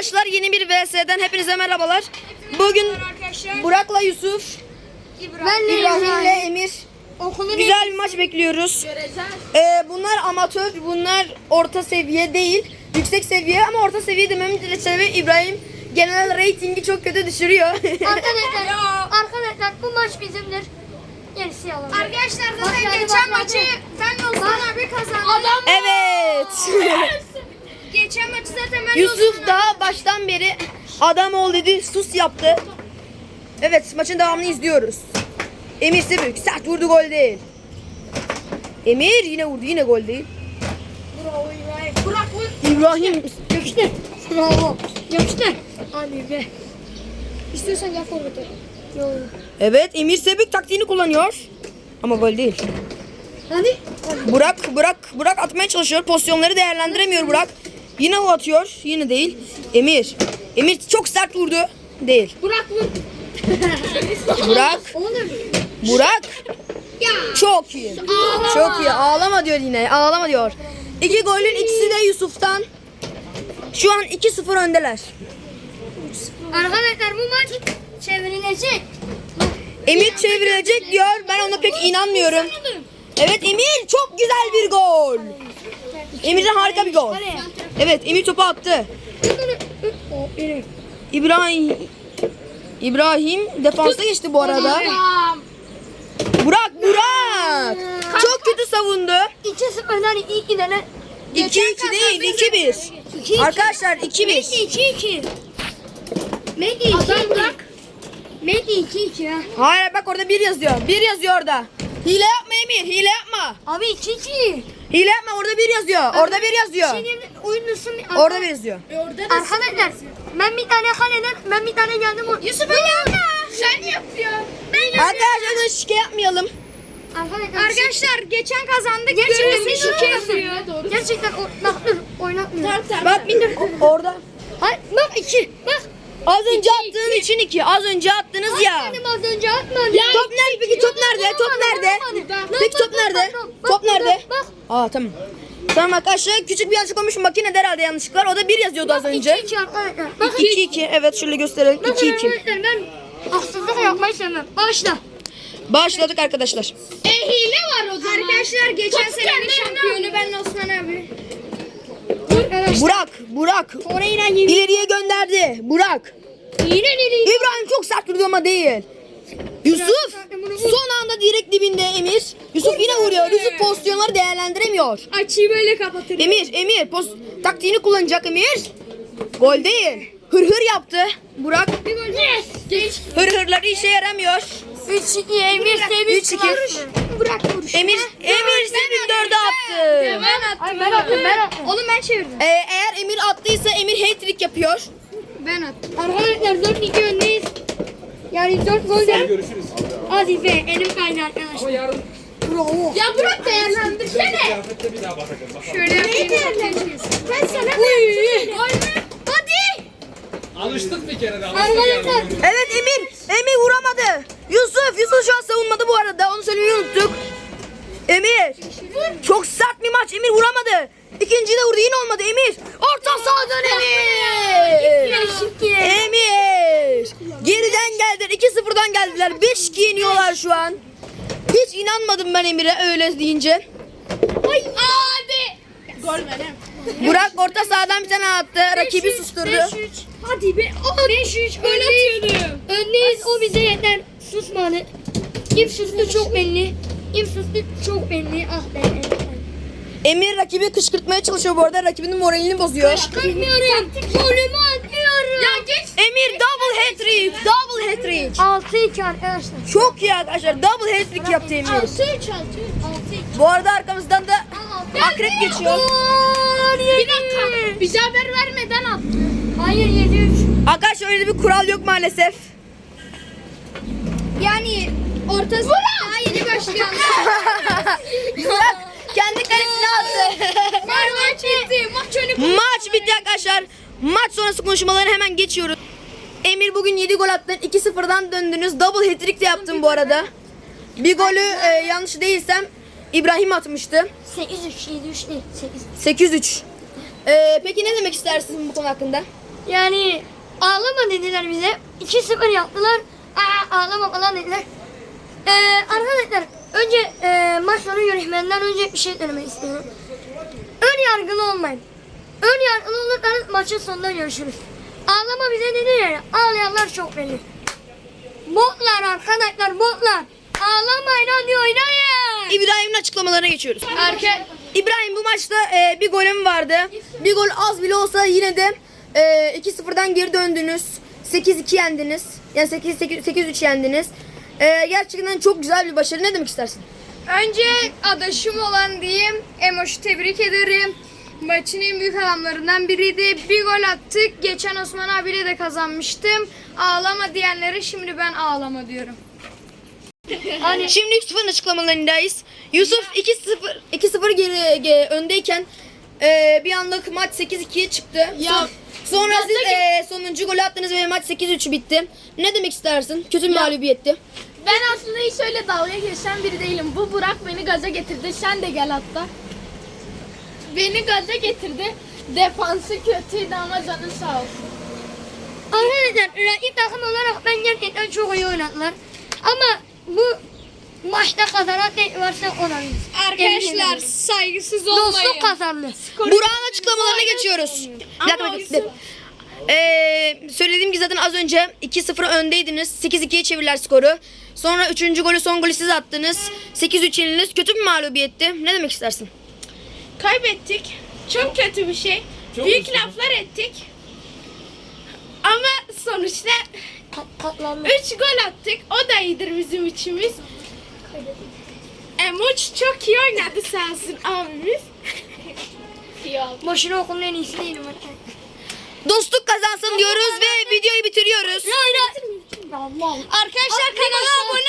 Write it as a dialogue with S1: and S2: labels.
S1: arkadaşlar, yeni bir VS'den hepinize merhabalar. Bugün Burak'la Yusuf, İbrahim'le Emir güzel bir maç bekliyoruz. Bunlar amatör, bunlar orta seviye değil, yüksek seviye ama orta seviye dememin sebebi İbrahim genel reytingi çok kötü düşürüyor.
S2: Arkadaşlar bu maç bizimdir. Gerisi yalan.
S3: Arkadaşlar zaten geçen maçı ben Osman abi kazandım.
S1: Evet.
S3: Geçen maçı zaten ben
S1: Yusuf daha baştan beri adam ol dedi, sus yaptı. Evet, maçın devamını izliyoruz. Emir Sebük sert vurdu, gol değil. Emir yine vurdu, yine gol değil.
S3: Bravo İbrahim. Burak vur.
S1: İbrahim
S2: Yapıştır. Bravo. Yapıştır. Hadi be. İstiyorsan gel forvete. Yok.
S1: evet, Emir Sebük taktiğini kullanıyor. Ama gol değil.
S2: Hadi.
S1: Burak atmaya çalışıyor. Pozisyonları değerlendiremiyor Burak. Yine o atıyor. Yine değil. Emir çok sert vurdu. Değil.
S2: Burak vur.
S1: Burak. Çok iyi. Çok iyi. Ağlama diyor yine. Ağlama diyor. İki golün ikisi de Yusuf'tan. Şu an 2-0 öndeler.
S2: Arkadaşlar bu maç çevrilecek.
S1: Emir çevirecek diyor. Ben ona pek inanmıyorum. Evet, Emir çok güzel bir gol. Emir'den harika bir gol. Evet, Emir topu attı. İbrahim defansa geçti bu arada. Burak. Çok kötü savundu.
S2: 2-0'dan 2 tane.
S1: 2-2 değil, 2-1. Arkadaşlar 2-1.
S2: 2-2. Medi 2-2. Medi 2-2 ya.
S1: Hayır, bak orada 1 yazıyor. 1 yazıyor orada. Hile yapma Emir, hile yapma.
S2: Abi 2-2.
S1: Hile yapma, orada 1 yazıyor. Orada 1 yazıyor.
S2: Oyunlusun.
S1: Orada 1 yazıyor.
S2: Arkadaşlar ben bir tane kaleden ben bir tane geldim.
S3: Yusuf öyle yapma. Sen yapıyorsun.
S1: Arkadaşlar şike yapmayalım.
S3: Arkadaşlar geçen kazandık.
S2: Gerçekten
S3: şike yapıyor.
S2: Gerçekten oynatmıyor.
S1: Bak orada.
S2: Hayır bak 2. Bak.
S1: Az önce attığın için 2. Az önce attınız ya.
S2: Benim az önce atmadım.
S1: Top nerede peki? Top nerede? Top nerede? Peki top nerede? Top nerede?
S2: Bak.
S1: Aa, tamam. Tamam arkadaşlar, küçük bir yanlışlık olmuş, makinede herhalde yanlışlıklar. O da 1 yazıyordu az önce.
S2: 2-2 arkadaşlar. Bak
S1: 2-2. Evet, şöyle gösterelim. 2-2.
S2: Ben haksızlık yapmayı sevmem. Başla.
S1: Başladık arkadaşlar.
S3: Hile var o zaman. Arkadaşlar geçen senenin şampiyonu ben Osman abi.
S1: Burak.
S2: Orayla yeni.
S1: İleriye gönderdi. Burak. İbrahim çok sert vurdu ama değil. Yusuf son anda direkt dibinde Emir. Yusuf yine vuruyor. Yusuf pozisyonları değerlendiremiyor.
S3: Açıyı böyle kapatır.
S1: Emir taktiğini kullanacak Emir. Gol değil. Hır yaptı. Burak.
S2: Geç.
S1: Hırları işe yaramıyor.
S2: 3-2 Emir Sevinç.
S1: 3-2.
S2: Bırak vuruş.
S1: Emir Sevinç 4'e attı.
S3: Ben attım. Oğlum ben çevirdim.
S1: Eğer Emir attıysa Emir hat-trick yapıyor.
S3: Ben attım.
S2: Arkadaşlar 4-2 öndeyiz. Yani 4 golden. Görüşürüz. Hadi be elim kaydı arkadaşlar. Bravo.
S3: Ya bırak değerlendirsene. Şöyle yapayım.
S2: Ben sana
S3: Hadi.
S4: Alıştık bir kere de.
S2: arkadaşlar.
S1: Evet, Emir vuramadı. Yusuf şu an savunmadı bu arada. Onu söylemeyi unuttuk. Emir. Çok sert bir maç. Emir vuramadı. İkinciyi de vurdu. Yine olmadı. Emir. Orta sahadan Emir. Geriden geldiler. 2-0'dan geldiler. 5-2 yeniyorlar şu an. Hiç inanmadım ben Emir'e öyle deyince.
S3: Hadi. Gol benim.
S1: Burak orta sahadan bir tane attı. Rakibi susturdu.
S2: 5-3. Hadi be. 5-3 öndeyiz. Öndeyiz. O bize yeter. Susmadı. Kim sustu çok belli. Kim sustu çok belli. Ah be.
S1: Emir rakibi kışkırtmaya çalışıyor bu arada. Rakibinin moralini bozuyor.
S2: Kırmıyorum. Golümü atıyorum.
S3: Ya geç.
S1: Emir double hat-trick. Double hat-trick.
S2: 6-2 arkadaşlar.
S1: Çok iyi arkadaşlar. Double hat-trick yaptı Emir.
S2: 6-3.
S1: Bu arada arkamızdan da akrep geçiyor.
S3: Bir dakika. Bize haber vermeden attı.
S2: Hayır 7-3.
S1: Arkadaşlar öyle bir kural yok maalesef.
S3: Yani ortası daha yeni başlayan.
S1: Burak kendi kalesine attı.
S3: Maç bitti. Maç önü.
S1: Maç bitti arkadaşlar. Maç sonrası konuşmaları hemen geçiyoruz. Emir bugün 7 gol attın. 2-0'dan döndünüz. Double hat-trick de yaptın bu arada. Bir golü yanlış değilsem İbrahim atmıştı.
S2: 8-3, 7-3 değil. 8.
S1: 8-3. Peki ne demek istersin bu konu hakkında?
S2: Yani ağlama dediler bize. 2-0 yaptılar. Ağlama falan dediler. Arkadaşlar önce maç sonu yönetmenden önce bir şey söylemek istiyorum. Ön yargılı olmayın. Ön yargılı olursanız maçın sonunda görüşürüz. Ağlama bize dedi ya. Ağlayanlar çok belli. Botlar arkadaşlar botlar. Ağlamayın hadi oynayın.
S1: İbrahim'in açıklamalarına geçiyoruz. İbrahim bu maçta bir golüm vardı. Bir gol az bile olsa yine de 2-0'dan geri döndünüz. 8-2 yendiniz. Yani 8-3 yendiniz. Gerçekten çok güzel bir başarı. Ne demek istersin?
S3: Önce adaşım olan diyeyim. Emoş'u tebrik ederim. Maçın en büyük adamlarından biriydi. Bir gol attık. Geçen Osman abiyle de kazanmıştım. Ağlama diyenlere şimdi ben ağlama diyorum.
S1: Şimdi 3-0'ın açıklamalarındayız. Yusuf 2-0 geri öndeyken bir anlık maç 8-2'ye çıktı. Sonra siz sonuncu golü attınız ve maç 8-3 bitti. Ne demek istersin? Kötü bir mağlubiyetti.
S5: Ben aslında hiç öyle dalga geçen biri değilim. Bu Burak beni gaza getirdi. Sen de gel hatta. Beni gaza getirdi. Defansı kötüydü ama canı sağ olsun.
S2: Arkadaşlar rakip takım olarak ben gerçekten çok iyi oynadılar. Ama bu maçta kazanan tek varsa olabilir.
S3: Arkadaşlar saygısız olmayın.
S2: Dostluk kazandı.
S1: Burak'ın açıklamalarına geçiyoruz. Bir dakika, bekle. Söylediğim gibi zaten az önce 2-0 öndeydiniz. 8-2'ye çevirdiler skoru. Sonra 3. golü son golü siz attınız. 8-3 yenildiniz. Kötü bir mağlubiyetti. Ne demek istersin?
S5: Kaybettik. Çok kötü bir şey.
S4: Çok
S5: Büyük
S4: üzüldüm.
S5: laflar ettik. Ama sonuçta
S2: Katlandı.
S5: 3 gol attık. O da iyidir bizim içimiz. Emoç çok iyi oynadı sağ olsun abimiz.
S2: Boşuna okulun en iyisi değilim.
S1: Dostluk kazansın diyoruz ve videoyu bitiriyoruz.
S3: Arkadaşlar kanala abone